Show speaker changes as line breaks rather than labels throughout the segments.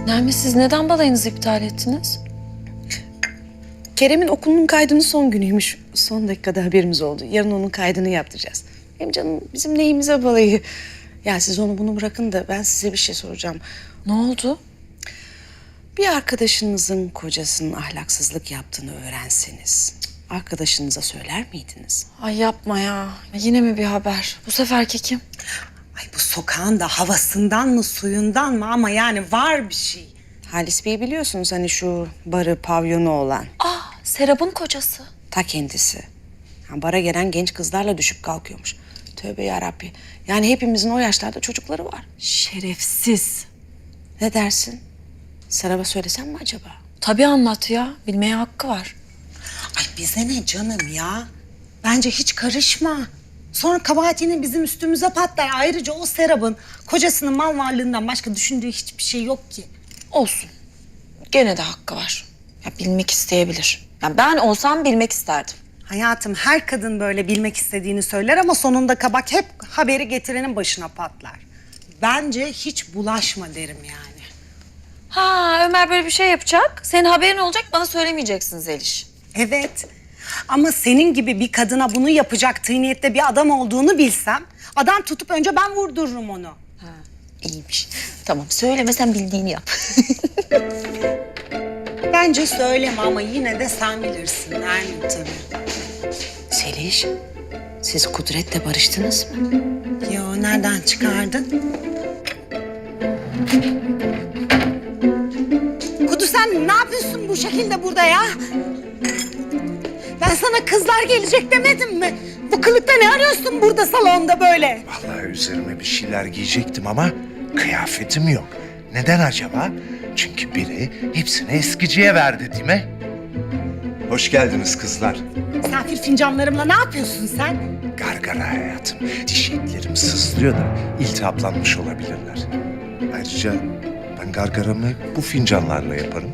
Nermin, siz neden balayınızı iptal ettiniz?
Kerem'in okulunun kaydının son günüymüş. Son dakikada haberimiz oldu. Yarın onun kaydını yaptıracağız. Hem canım bizim neyimize balayı. Ya siz onu bunu bırakın da ben size bir şey soracağım.
Ne oldu?
Bir arkadaşınızın kocasının ahlaksızlık yaptığını öğrenseniz arkadaşınıza söyler miydiniz?
Ay yapma ya. Yine mi bir haber? Bu seferki kim?
Ay bu sokağın da havasından mı suyundan mı ama yani var bir şey.
Halis Bey biliyorsunuz hani şu barı, pavyonu olan.
Serap'ın kocası.
Ta kendisi. Ha, bara gelen genç kızlarla düşüp kalkıyormuş. Tövbe yarabbi. Yani hepimizin o yaşlarda çocukları var.
Şerefsiz.
Ne dersin? Serap'a söylesem mi acaba?
Tabii anlat ya. Bilmeye hakkı var.
Ay bize ne canım ya? Bence hiç karışma. Sonra kabahatini bizim üstümüze patlar. Ayrıca o Serap'ın kocasının mal varlığından başka düşündüğü hiçbir şey yok ki.
Olsun. Gene de hakkı var. Ya bilmek isteyebilir. Ya ben olsam bilmek isterdim.
Hayatım her kadın böyle bilmek istediğini söyler ama sonunda kabak hep haberi getirenin başına patlar. Bence hiç bulaşma derim yani.
Ha, Ömer böyle bir şey yapacak. Senin haberin olacak, bana söylemeyeceksin Zeliş.
Evet. Ama senin gibi bir kadına bunu yapacak tıyniyette bir adam olduğunu bilsem... ...adam tutup önce ben vurdururum onu.
İyiymiş. Tamam, söylemesen bildiğini yap.
Bence söyleme ama yine de sen bilirsin Nermin tabii.
Seliş, siz Kudret'le barıştınız mı?
Yo nereden çıkardın? Kudu sen ne yapıyorsun bu şekilde burada ya? Ben sana kızlar gelecek demedim mi? Bu kılıkta ne arıyorsun burada salonda böyle?
Vallahi üzerime bir şeyler giyecektim ama kıyafetim yok. Neden acaba? Çünkü biri hepsini eskiciye verdi değil mi? Hoş geldiniz kızlar.
Misafir fincanlarımla ne yapıyorsun sen?
Gargara hayatım. Diş etlerim sızlıyor da iltihaplanmış olabilirler. Ayrıca ben gargaramı bu fincanlarla yaparım.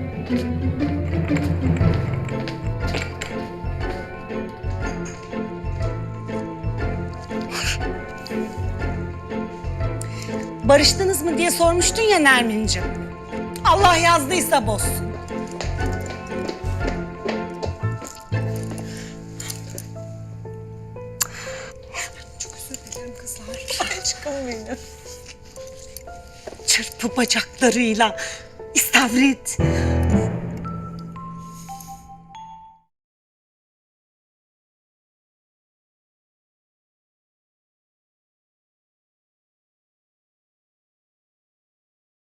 Barıştınız mı diye sormuştun ya Nermin'ciğim. Allah yazdıysa bozsun. Çok özür dilerim kızlar.
Aşkım benim.
Çırpı bacaklarıyla, istavrit,